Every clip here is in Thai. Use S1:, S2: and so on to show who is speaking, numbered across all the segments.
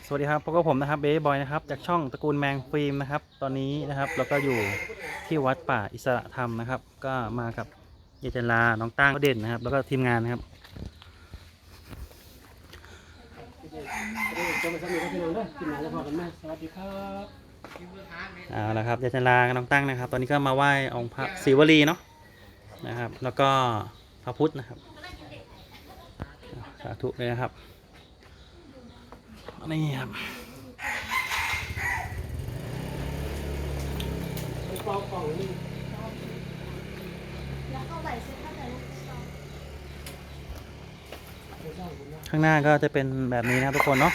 S1: สวัสดีครับพบกับผมนะครับเบย์บอยนะครับจากช่องตระกูลแมงฟิล์มนะครับตอนนี้นะครับเราก็อยู่ที่วัดป่าอิสระธรรมนะครับก็มากับเยเจนลาน้องตั้งเด่นนะครับแล้วก็ทีมงานนะครับเอาละครับเยเจนลาน้องตั้งนะครับตอนนี้ก็มาไหว้องค์พระศิวลีเนาะนะครับแล้วก็พระพุทธนะครับสาธุเลยนะครับนี่ครับข้างหน้าก็จะเป็นแบบนี้นะครับทุกคนเนาะ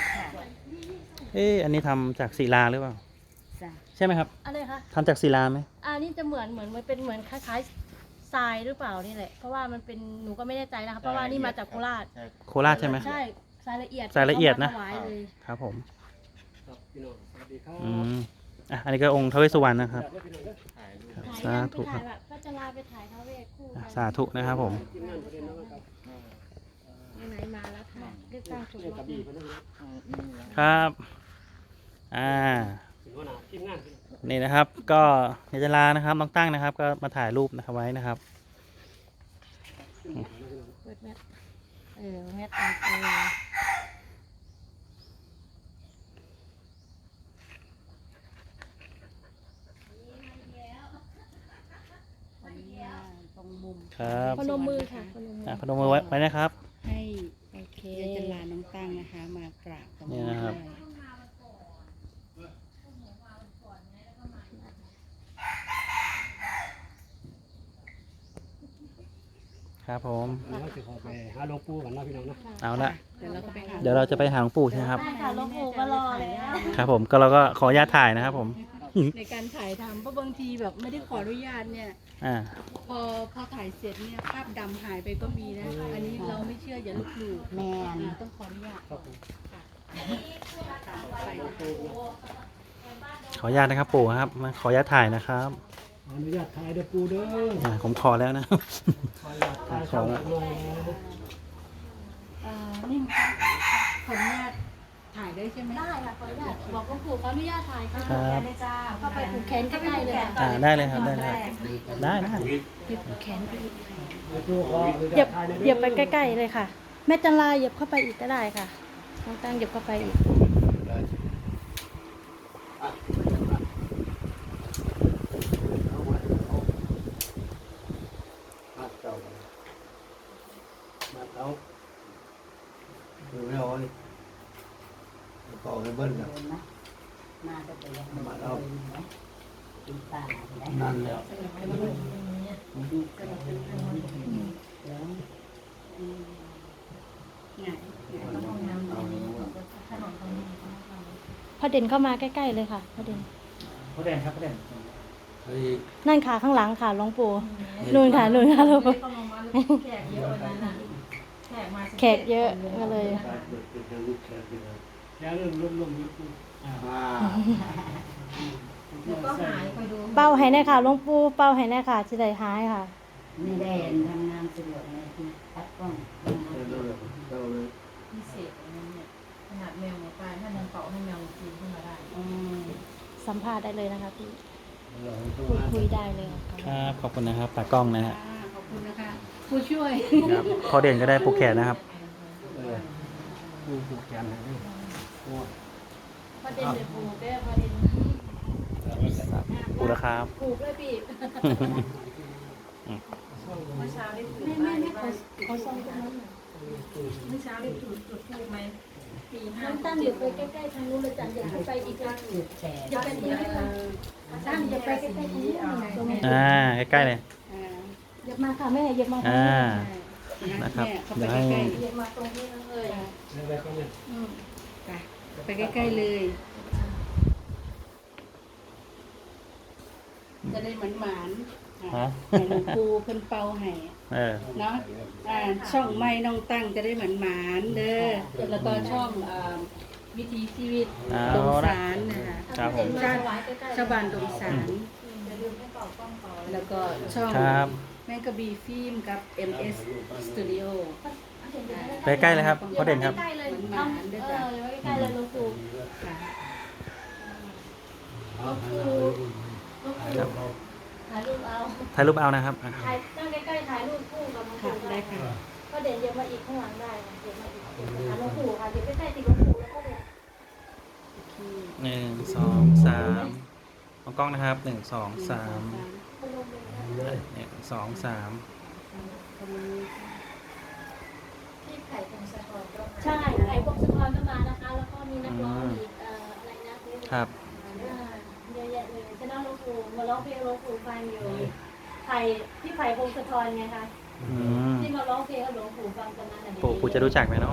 S1: อันนี้ทำจากศิลาหรือเปล่าใช่ไหมครับ
S2: อะไรคะ
S1: ทำจากศิลาไหม
S2: นี่จะเหมือนมันเป็นเหมือนคล้ายๆทรายหรือเปล่านี่แหละเพราะว่ามันเป็นหนูก็ไม่แน่ใจนะคะเพราะว่านี่มาจากโคราช
S1: โคราชใช่ไหม
S2: ใช่ทรายละเอียด
S1: นะครับผมอันนี้ก็องค์ท้าวเวสสุวรรณนะครับสาธุครับ
S2: ก็จะลาไปถ่ายท้าวเวสคู่
S1: สาธุนะครับผม
S2: ไหนมาแล้วค่ะเลือกตั้งถูก
S1: ครับนี่นะครับก็เยเจนลานะครับน้องตั้งนะครับก็มาถ่ายรูปนะครับไว้นะครับ
S2: เปิดแมทแมทอันตรงมุม
S1: ครับ
S2: พนมมือค่ะ
S1: พนมมือไว้นะครับ
S3: ให้โอเคจะลาน้องตั้งนะคะมากราบตรงนี้
S1: นะครับครับผม
S4: ไปหาหลวงปู่กันนะพี่น้องนะ
S1: เอาละ
S3: เ
S1: ดี๋ยวเราจะไปหาหลวงปู่ใช่ไหมครับ
S2: ค่ะหลวงปู่ก็รอแล้ว
S1: ครับผมก็เราก็ขออนุญาตถ่ายนะครับผม
S3: ในการถ่ายทำเพราะบางทีแบบไม่ได้ขออนุญาตเนี่ยพอถ่ายเสร็จเนี่ยภาพดำหายไปก็มีนะอันนี้เราไม่เชื่ออย่าลบหลู่แม่ต้องขออนุญาต
S1: ขออนุญาตนะครับปู่ครับมาขออนุญาตถ่ายนะครับ
S4: อนุญาตถ่ายเด้อปู่เด้อ
S1: ผมขอแล้วนะขอแล้ว
S3: นี่ขออนุญาตถ่ายได้ใช่ไหม
S2: ได้ค่ะขออนุญาตบอกหลวงปู่ขออนุญาตถ่ายค่ะเข้าไปผูกแขนใกล้ๆเลย
S1: ได้เลยครับได้
S2: ผูกแขนไปอีกเหยียบไปใกล้ๆเลยค่ะแม่จันลาเหยียบเข้าไปอีกก็ได้ค่ะน้องตั้งเหยียบเข้าไปอีก
S4: ดูไม่เอาเลยต่อไปเบิ้ลนะมาเอานั่นแล้ว
S2: พอเด่นเข้ามาใกล้ๆเลยค่ะพอเด่น
S1: ครับพอเด่น
S2: นั่นค่ะข้างหลังค่ะหลวงปู่นู่นค่ะหลวงปู่แขกเยอะก็เลยเป้าให้แน่ค่ะหลวงปู่เป้าให้แน่ค่ะจะได้หายค่ะ
S3: นี่ได้ทำงานสะดวกเลยตัดกล้องพิเศษเนี่ยขนาดแมวหมูตายถ้ายังเป่าให้แมวกินขึ้นมาได้
S2: สัมภาษณ์ได้เลยนะคะพี่คุยได้เลย
S1: ครับขอบคุณนะครับตากล้องนะฮะ
S3: ขอบคุณนะคะผู้ช่วย
S1: พอเด่นก็ได้ผูกแขนนะครับ
S4: ผูกแขนให้
S2: พอเด่นเลยผูกได้พอเด่น
S1: ผูกแล้วครับ
S2: ผูกเลยพี่เมื่อเช้าได้ไม่เขาส่งตรงนั้นเมื่อเช้าได้จุดทูบไหมน้ำตั้งเดี๋ยวไปใกล้ๆทางนู้นเลยจันอย่าไปอีกอย่าไปที่นี่ตั้งอย่าไปใกล้ๆทางนู้น
S1: ใกล้ๆเลย
S2: อย่ามาค่ะแม่อย่ามา
S1: นะครับ
S2: เดี๋ยวให้อย่ามาตรงนี้เลย
S3: ไปใกล้ๆเลยจะได้หมานให้หลวงปู่เพิ่นเป่าให้เนาะช่องไม้น้องตั้งจะได้หมานเด้อแล้วก็ช่องวิถีชีวิตดงสารนะคะชาวบ้านดงสารแล้วก็ช่องแมงกะบีฟิล์มกับ MS Studio
S1: ไปใกล้เลยครับพ่อเด่นครับ
S2: ใกล้ๆเลยทำใกล้ๆเลยหลวงปู่
S3: ค่ะ
S2: หลวงปู่ถ่ายรูปเอา
S1: ถ่ายรูปเอานะครับอ่ะ
S2: ถ่ายนั่งใกล้ๆถ่ายรูปคู่กับหลวง
S3: ค่ะ
S2: ปู่
S3: ได้
S2: ได้
S3: ค่ะ
S2: ก็เด่นเดี๋ยวมาอีกข้างหลังได้เดี๋ยวมาอีกหาหลวงปู่ค่ะเดี๋ยวใกล้ๆติดหลวงปู่แล้วก็เด่น
S1: 1 2 3มองกล้องนะครับ1 2 3 1 2 3
S2: ที่ไข่พงศธรก็มาใช่ไข่พงศธรก็มานะคะ แล้วก็มีนักร้องอีกอะไรนะครับ เยอะแยะเลยชนะหลวงปู่มาร้องเพลงหลวงปู่ฟังอยู่ไข่ที่ไข่พงศธรไงคะ
S1: อืม
S2: ที่มาร้องเพลงกับหลวงปู่ฟังตอนนั้นน่ะ
S1: ปู่จะรู้จักไหมเนาะ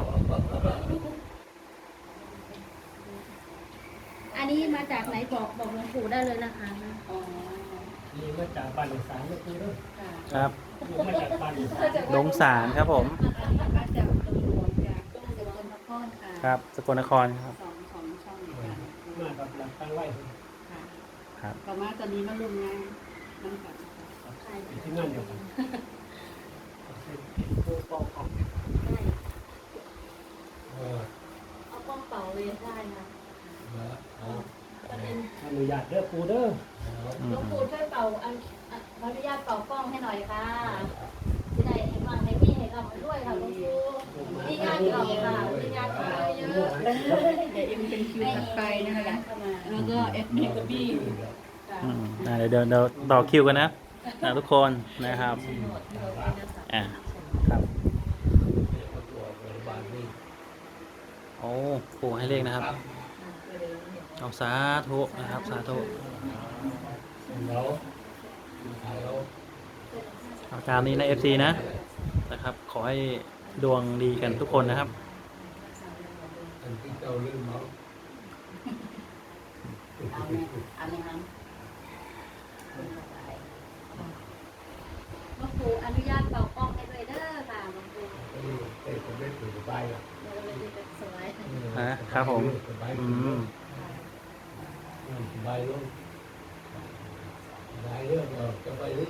S2: อันนี้มาจากไหนบอกหลวงปู่ได้เลยนะคะ
S3: อ๋อ
S4: นี่มาจากบ้านอีสานก็คือเด้อ
S3: ค่ะ
S1: ครับ
S4: อยู่มาจากบ้านอีสาน
S1: ดงสารครับผม
S3: มาจากตำรวจจากต้องเดินพระก้อนค่ะ
S1: ครับสกลนครครับ
S3: สองช่องค่ะ
S4: มากับหลักตั้งไว้
S3: ค่ะ
S1: ครับ
S3: ต่อมาตอนนี้มาลงงานน้ำกัน
S4: ที่นั่นเดียวกันผู้ปกครองเออ
S2: เอาป้องเป่าเลยได้นะ ประเด็น
S4: อนุญาตเด้อปูเด้อ
S1: อื
S2: หลวง
S1: ม
S2: ปู่ช่วยเป่าขออนุญาตเป่ากล้องให้หน่อยค่ะจะได้ให้ฟังให้พี่ให้รับด้วยค่ะหลวงปู่มีงานเก่าค่ะมีงานเก่าเยอะ
S3: เดี๋ยวเอ็มเป็นคิวถัดไปนะคะแล้วก็เอฟบีกับบี้ค่ะ
S1: เดี๋ยวต่อคิวกันนะทุกคนนะครับอ่าครับโอ้ปู่ให้เลขนะครับเอาสาธุนะครับสาธุ
S4: แล้ว
S1: เอาตามนี้นะ FC นะครับ ขอให้ดวงดีกันทุกคนนะครับ
S4: อันที่เจ้าลืมเนาะ
S3: เอาไหมครับ
S2: หลวงปู่อนุญาตเป่ากล้องให้ด้วยเด้อค่ะหลวงปู่
S4: เอ้ยผมไม่ถือใบอ่ะ
S2: เดี๋ยวเราจะสวย
S1: ครับผม
S4: ใบ
S1: อืม
S4: ใบลงใบเรื่องเราจะไปนี่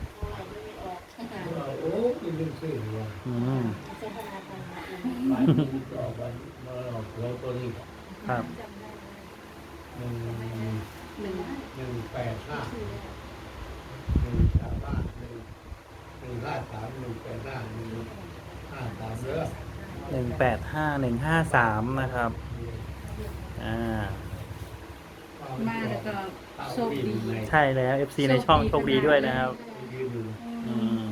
S4: โอ้ยลืมชื่อว่ะ
S1: อืม
S2: เจตนาการ
S4: ใบต่อใบมาหลอกเราตัวนี้
S1: ครับ
S2: จำได้
S4: 185 185 153 185 153เด้อ
S1: 185153นะครับ
S3: มาแล้วก็โชคดี
S1: ใช่แล้ว FC ในช่องโชคดีด้วยนะครับ อืม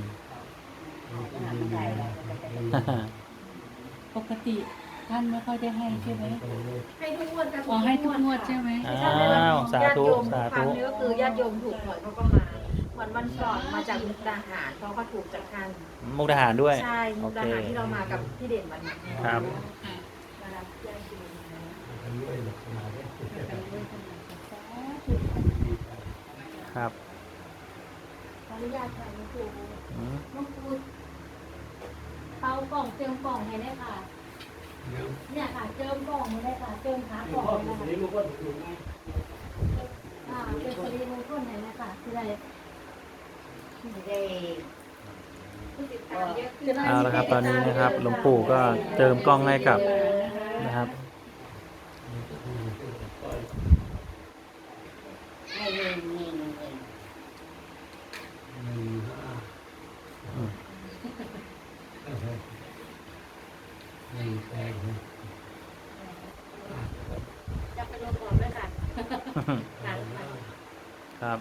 S3: ปกติท่านไม่ค่อยได้ให้ใช่ไหม
S2: ให้ทุกงวดค่ะ
S3: อ๋อให้ทุกงวดใช่ไหม
S1: อ้าวสาธุสาธุ
S5: ครั้งนี้ก็คือญาติโยมถูกหวยเขาก็มาเหมือนวันก่อนมาจากมุกดาหารเขาก็ถูกจากทาง
S1: มุกดาหารด้วย
S5: ใช่มุ
S1: โอก
S5: ดา
S1: เค
S5: หารที่เรามากับพี่เด่นวันนี้
S1: ครับ
S5: มารับญาติโยมมา
S1: ครับ
S2: ขออนุญาตค่ะหลวงปู่
S1: อืม
S2: หลวงปู่เป่ากล่องเจิมกล่องให้ได้ค่ะ เนี่ยค่ะเจิมกล่องให้ได้ค่ะเจิมขากล่องให้ได้ค่ะเป็นสิริมงคลให้ได้ค่ะที่ได้
S5: ได้ผู้ติดตามเยอะขึ้น
S1: เอาละครับตอนนี้นะครับหลวงปู่ก็เติมกล้องให้กับนะครับ
S5: ให้เงินเงินเงิน
S2: จะไปลงก่อนด้วยค่ะค่ะ
S1: ครับ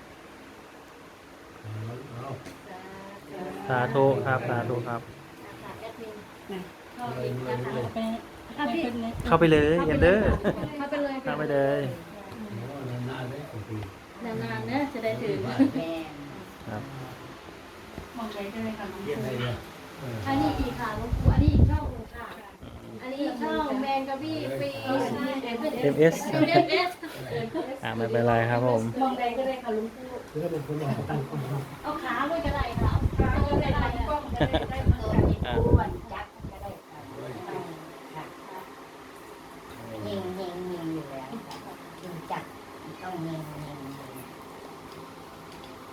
S2: สาธุ
S1: สาธุครับสาธุครับ
S2: ค่ะแอดมิน
S3: นะ
S2: เข้าอีกนะคะ
S3: ไป
S1: เข้าไปเลยเอ็นเดอร์
S2: เข้าไปเลย
S1: เข้าไปเลย
S2: นานๆนะจะได้ถือ
S1: ครับ
S3: มองใจได้เลยค่ะน้อง
S4: เย็นอะไรเนี่ย
S2: อันนี้อีกค่ะหลวงปู่อันนี้อีกช่องหนึ่งค่ะ อันนี้ช่องแมนกับพี่ฟรี
S1: MS
S2: เอส
S1: ไม่เป็นไรครับผม
S2: มองใดก็ได้ค่ะหลุงปู่
S4: คือถ้าเป็นคนบอกตั้งคน
S2: เอาขาด้วยก็ได้ค่ะเอาขาด้วยก็ได้กล้องก็ได้ได้เหมือนกัน
S5: อ้วนจักก็ได้ค่ะเฮงเฮงเฮงอยู่แล้วยิงจักต้องเฮงเฮง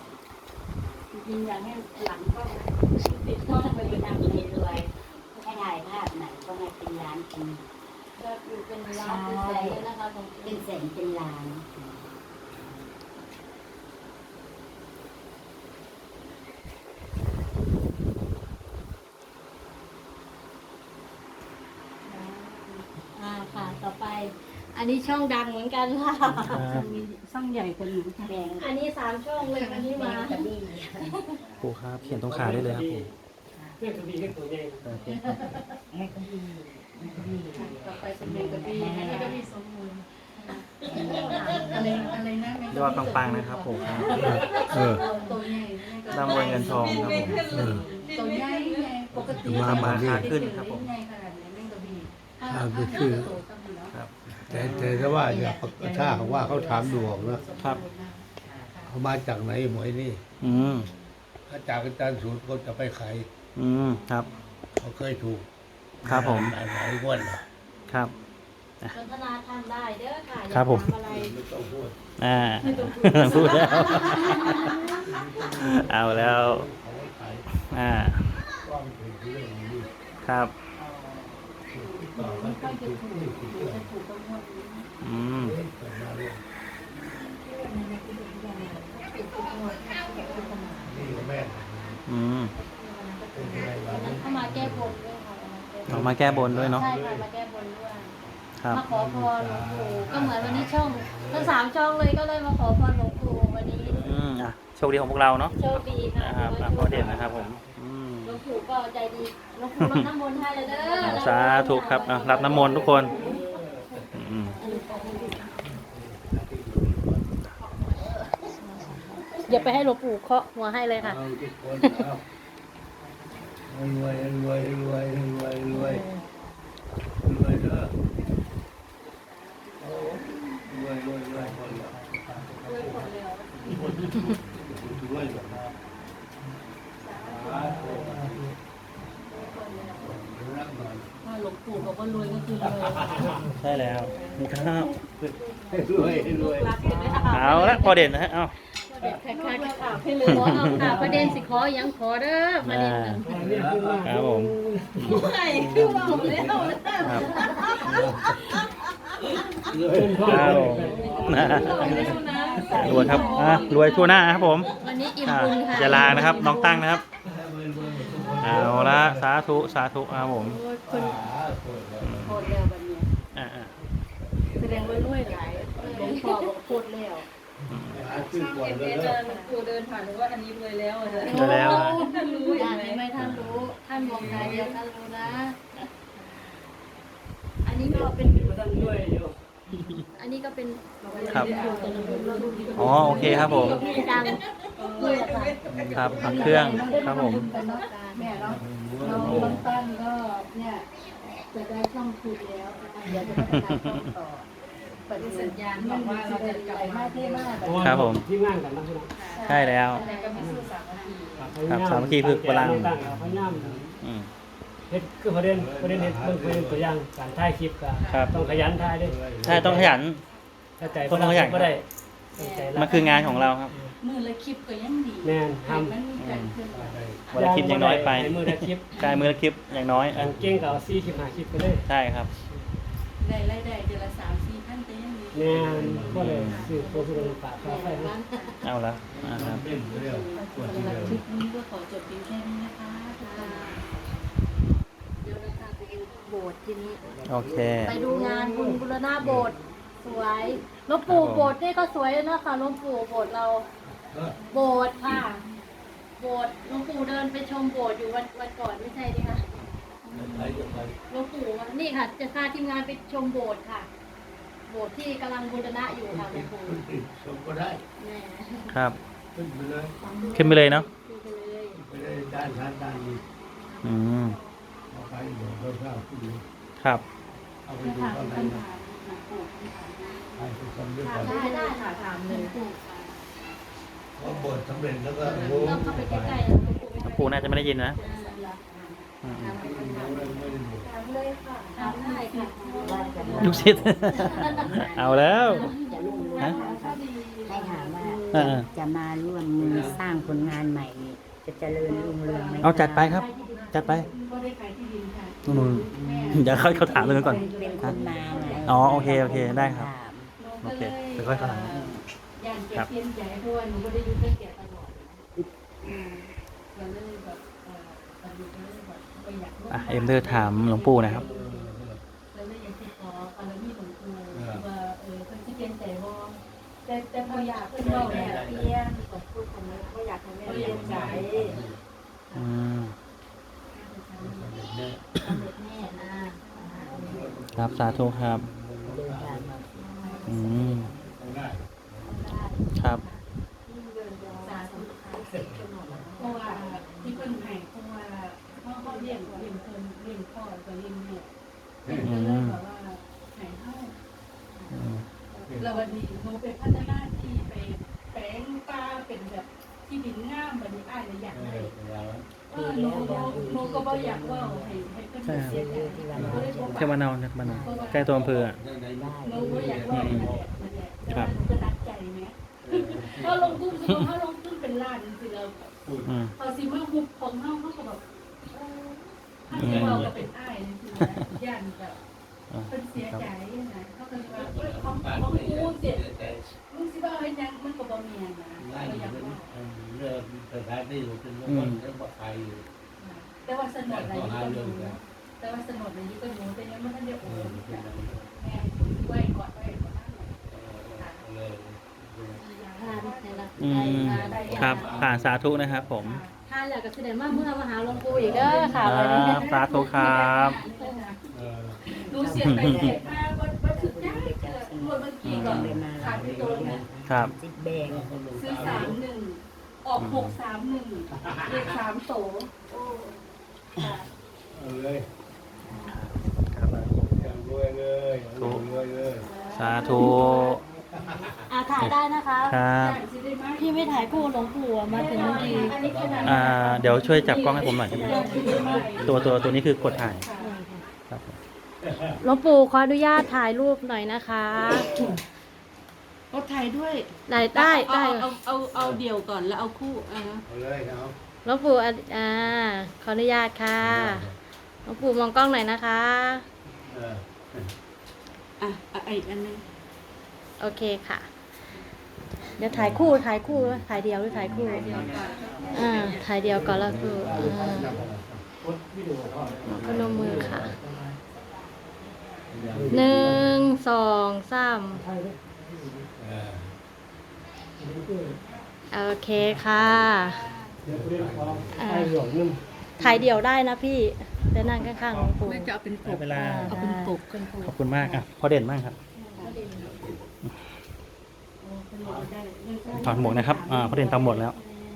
S3: จริงๆอยากให้หลังก็
S5: ติดกล้องไปอยู่ทางเลยรวยขนาด
S6: เป็นล้านปี
S2: ยอดวิวเป็นล้านเป็นแสนเลยนะคะของ
S6: เป็นแสนเป็นล้าน
S2: ค่ะต่อไป อันนี้ช่องดังเหมือนกันค่ะ
S3: สร้างใหญ่คนหนึ่งค่ะ
S6: แบง
S2: อันนี้3ช่องเลยวันนี้มา
S6: กระบี่
S1: ครูครับเขียนตรงขาได้เลยครับผม
S4: เรื่องกระบี่เรื่องตัวใหญ่
S1: โอเค
S6: แม่กระบี่กระบี่
S3: ต่อไปเป็นเมกะบี้อันนี้ก็มีสมมูลอะไรนะ
S1: ยอดปังๆนะครับผมครับ
S3: ตัวใหญ่
S1: ร่ำรวยเงินทองครับผม
S3: ตัวใหญ่ไงปกติ
S1: ราคาขึ้นครับผม
S3: ใหญ่ขนาดนี้แม่กระบี่
S1: ครับ
S4: แต่ถ้าว่าอย่าถ้าเขาว่าเขาถามดวงนะครับ เขามาจากไหนหมวยนี่
S1: อืม
S4: ถ้าจากอาจารย์สูตรเขาจะไปขาย
S1: อืมครับ
S4: เขาเคยถูก
S1: ครับผม
S4: หลายงวดแล้ว
S1: ครับ
S2: พัฒนาทำได้เด้อค่ะ
S1: ครับผม
S2: อยากทำอะไร
S4: ไม่ต้องพูด
S1: พูดแล้ว เอาแล้ว
S4: เขาไว้ขาย
S1: ว่า
S4: มันเป็นเรื่องนี้
S1: ครับ
S4: ต่อมันเป็นถูกเรื่อง
S1: อืม
S4: เกิดมาเรื่องนี่ก็แม่น
S1: อืม
S4: เป็นอะไรวะ
S2: เข้ามาแก้บนด้วยค่ะ
S1: ออกมาแก้บนด้วยเนาะ
S2: ใช่ค่ะมาแก้บนด้วย
S1: ครับ
S2: มาขอพรหลวงปู่ก็เหมือนวันนี้ช่องทั้ง3ช่องเลยก็เลยมาขอพรหลวงปู่วันนี้
S1: อืมอ่ะโชคดีของพวกเราเนาะ
S2: โชคดีค่ะ
S1: นะครับอ่ะพ่อเด่นนะครับผมอืม
S2: หลวงปู่ก็ใจดีหลวงปู่รดน้ำมนต์ให้เลยเด้อ
S1: สาธุครับอ่ะรับน้ำมนต์ทุกคนอืม
S2: อย่าไปให้หลวงปู่เคาะหัวให้เลยค่ะ
S4: เอาทุกคนเอารวยรวยรวยรวยรวยรวยเด้อเอารวยรวยรวยคนละรวยแบบรักหน่อย
S3: ถ้าหลวงปู่บอกว่ารวยก็คือรวย
S1: ใช่แล้วครับ
S4: รวยรวย
S1: เอาละพอเด่นนะฮะเอา
S2: เด็ดค่ะค่ะให้เลยขอเอาค่ะประเด็นสิขอยังขอเด้อประเด็นหนึ่ง
S1: ครับผม
S2: ไม่คือว่าผมแล้ว
S1: ครับ
S4: รวย
S1: ครับผมนะรวยครับรวยทั่วหน้าครับผม
S2: วันนี้อิ่ม
S1: อ่ะ
S2: บุญค่ะ
S1: อย่าลานะครับน้องตั้งนะครับเอาละสาธุสาธุครับผม
S3: โคตรแล้ววันนี้
S1: อ่า
S3: แสดงว่ารวยหลายหลวงพ่อบอกโคตรแล้ว
S4: ขึ้นก่อนเลย
S5: หลวงปู่เดินผ่านหรือว่าอันนี้รวยแล้วเลย
S1: ได้แล้วนะ
S2: ท่านรู้อย่างนี้ไหมท่านรู้ท่านมองตาเดียวท่านรู้นะ อันนี้ก็เป็นอันนี้ก็เป็น
S1: ครับอ๋อโอเคครับผม
S2: ดังเลยค่ะ
S1: ครับผักเครื่องครับผม
S3: แม่เนาะน้องตั้งก็เนี่ยจะได้ช่องคุยแล้วเดี๋ยวจะพัฒนาช่องต่อปัจจุบันสัญญาณบอกว่าเราจะกลับมาเท่มาก
S1: ครับผม
S7: ที่งานกันนะพี่น้อง
S1: ใช่แล้ว
S5: แต่ก็ไม่สู้สามัคคี
S1: ครับสามัคคีคือพลัง
S7: ตั้งเราพยายาม
S1: อืม
S7: เฮ็ดคือประเด็นเฮ็ดเบิ่งประเด็นตัวอย่างการถ่ายคลิปก็
S1: ครับ
S7: ต้องขยันถ่ายด้วย
S1: ใช่ต้องขยัน
S7: ถ้าใจ
S1: ต้องขยัน
S7: บ่ได้ต้องใจรัก
S1: มันคืองานของเราครับ
S3: มือละคลิปก็ยังดี
S7: แม่นทำ
S3: มันมีการเคลื่อนไหว
S1: วันละคลิปยังน้อยไป
S7: ให้มือละคลิป
S1: กายมือละคลิปอย่างน้อย
S7: อันเก่งก็เอา4คลิป5คลิปไปเลย
S1: ใช่ครับ
S3: ได้รายได้เดือนละ3-4พันก็ยังดี
S7: แม่นบ่ได้ซื้อตัวสุรปากค่าไฟนะ
S1: เอาละครับ
S4: เล่นเรื่องคนที่
S3: สำหรับ
S4: เดิม
S3: คลิปนี้ก็ขอจบเพียงแค่นี้นะคะเดี๋ยวเราจะไปดูโบสถ์ทีนี้
S1: โอเค
S2: ไปดูงานบุญบุรณะโบสถ์สวยหลวงปู่โบสถ์นี่ก็สวยนะคะหลวงปู่โบสถ์เรา โบสถ์ค่ะ โบสถ์หลวงปู่เดินไปชมโบสถ์อยู่วันก่อนไม่ใช่ดิคะ
S4: ใครจะไป
S2: หลวงปู่มานี่ค่ะ จะพาทีมงานไปชมโบสถ์ค่ะ โบสถ์ที่กำลังบูรณะอยู่ค่ะหลวงปู่
S4: ชมก็ได้
S2: แม่
S1: ครับ
S4: ขึ้นไปเลย
S1: ขึ้นไปเลยเนาะ
S2: ดูไปเลย
S4: ไปได้ด้านด้านด้านนี้
S1: อืม
S4: เอาไปเดี๋ยวเราเข้าขึ้นดู
S1: ครับ
S4: เอาไป
S3: จะ
S4: ดู
S3: ถาม
S4: ข้างใน
S3: ปัญหาหลวงปู่ปัญหา
S4: ใครจะทำด้วย
S2: ถา
S4: กั
S2: ม
S4: น
S2: ได้ค่ะถาม
S3: ห
S2: เล
S3: ลวย งปู่ค่ะ
S4: พอบทสำเร็จแล้วก็โอ้
S2: ต้องเข้าไป
S4: ไป
S2: ใกล้ๆหลวงปู่
S1: หลวงปู่น่าจะไม่ได้ยินนะอืม
S2: ถามเลยค่ะถามได้ค่ะ
S1: ลูกศิษย์ เอาแล้ว ฮะ
S6: ให้ถามว่า
S1: เออ
S6: จะมาร่วมมือสร้างผลงานใหม่นี่จะเจริญรุ่งเรืองไหม
S1: เอาจัดไปครับ จัดไป
S3: ก็ได้ขายที่ดินค่ะ
S1: นู่นเดี๋ยวเขาถามเลยก่อน
S6: เป็นคนมาไง
S1: อ๋อโอเคได้ครับ
S6: ถาม
S1: โอเคเดี๋ยวค่อยเข้าหลัง
S3: ย่านแกเปลี่ยนใจเพราะว่าหนูไม่ได้อยู่กับแกตลอดก็เลยแบบตอนนี้ก็เลยแบบไปอยาก
S1: อ่ะเอ็มเดอร์ถามหลวงปู่นะครับ
S3: แล้วเลยอยากติดต่อบารมีหลวงปู่ว่าเพิ่นสิเปลี่ยนใจบ่แต่พออยากเพิ่น
S5: เพื่อน
S3: เว้า
S5: แม่
S3: แม่
S5: เพี้ยนกดพูดคนนี้ก็อยากให้แม่เรียนใจ
S1: อืม
S5: สำเร็จแน่นะครับ
S1: สาธุครับ อืมครับ
S5: สาธุค่ะ
S3: เพราะว่าที่เพิ่นให้เพราะว่าเขาเลี้ยงเพิ่นเลี้ยงพ่อก็เลี้ยงแม่เพิ่นก็เลยแบบว่าให้เฮา
S1: อืม
S3: แล้ววันนี้หนูไปพัฒนาที่ไปแปลงป่าเป็นแบบที่ดินงามบัดนี้อ้ายเลยอยากได้หนูก็บ่อยากเว่าให้เพิ่นเสียใจหนูก็เลยบ่
S1: เทวานอนใกล้ตัวอำเภออ่ะ
S3: หนูบ่อยากเว่านั่นแหละแต่ว่าหนูก็รักใจแหมพอลงทุนคือเขาลงทุนเป็นล้านสิเรา
S1: อืม
S3: พอสิมาฮุบของเฮาก็แบบถ้าสิเว้าก็เป็นอ้ายจังซี่นะย่านแบบเพิ่นเสียใจนะเขาก็เลยว่าของกูเสียมึงสิว่าเฮ็ดหยังมันก็บ่แม่นนะก็อยากว่า
S4: เรื่องสถานที่อยู่เป็นคนเรื่องใครอยู่
S3: แต่ว่าสนดอะไรนี่ก็รู้แต่ว่าสนดอะไรนี่ก็รู้แต่ยังไม่ทันได้โอนแม่ไว้ก่อนนั่นแหละ
S4: เลย
S2: ทานในละ
S1: อืมครับผ่านสาธุนะครับผม
S2: ทานอยากกับเสด็จมาเมื่อมาหาหลวงปู่อีกเด้อค่ะ
S1: ค
S2: วันนี้
S1: รับสาธุครับ
S3: รู้เสียไปเสียมาบ่ถึงได้หมดเมื่อกี้ก่อนขาดไปตัวนึง
S1: ครับ
S6: จิตแบง
S3: ซื้อ31ออก631เลข3โตโอ้ค่ะ
S4: เลย
S1: ครับ
S4: รวยเลยรวยเลย
S1: สาธุ
S2: ถ่ายได้นะคะ
S1: ครับ
S3: สิได้มา
S2: พี่ไม่ถ่ายคู่หลวงปู่มาถึงบางที
S3: อันนี้ขนาด
S1: เดี๋ยวช่วยจับกล้องให้ผมหน่อยได้ไหมตัวนี้คือกดถ่ายครับผม
S2: หลวงปู่ขออนุญาตถ่ายรูปหน่อยนะคะ
S3: ก็ถ่ายด้วย
S2: ได้
S3: เอาเดี่ยวก่อนแล้วเอาคู่
S4: เอาเลยเอา
S2: หลวงปู่ขออนุญาตค่ะหลวงปู่มองกล้องหน่อยนะคะ
S3: อีกอันนึง
S2: โอเคค่ะ เดี๋ยวถ่ายคู่ถ่ายเดียวหรือถ่ายคู่ถ่ายเดียวก่อนแล้วคือพนมมือค่ะ1 2 3โอเคค่ะถ่ายเดี่ยวได้นะพี่แต่นั่งข้างๆหลวงปู่
S3: ไม่จะเอาเป็นปก
S1: เวลา
S3: เอาเป็นปก
S1: ขอบคุณมากอ่ะพอเด่นมากครับถอดหมวกนะครับพอเด่นทำหมดแล้ว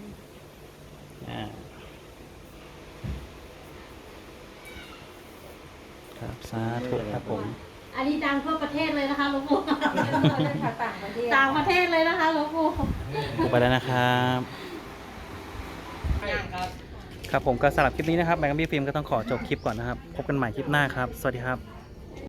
S1: ครับสาธุครับผม
S2: อันนี้ดังทั่วประเทศเลยนะคะหลวงปู่
S5: ต่างประเทศ
S2: ต่างประเทศเลยนะคะหลวงปู่
S1: ไปแล้วนะครับ ครับผมก็สำหรับคลิปนี้นะครับแบงค์บี้ฟิล์มก็ต้องขอจบคลิปก่อนนะครับพบกันใหม่คลิปหน้าครับสวัสดีครับ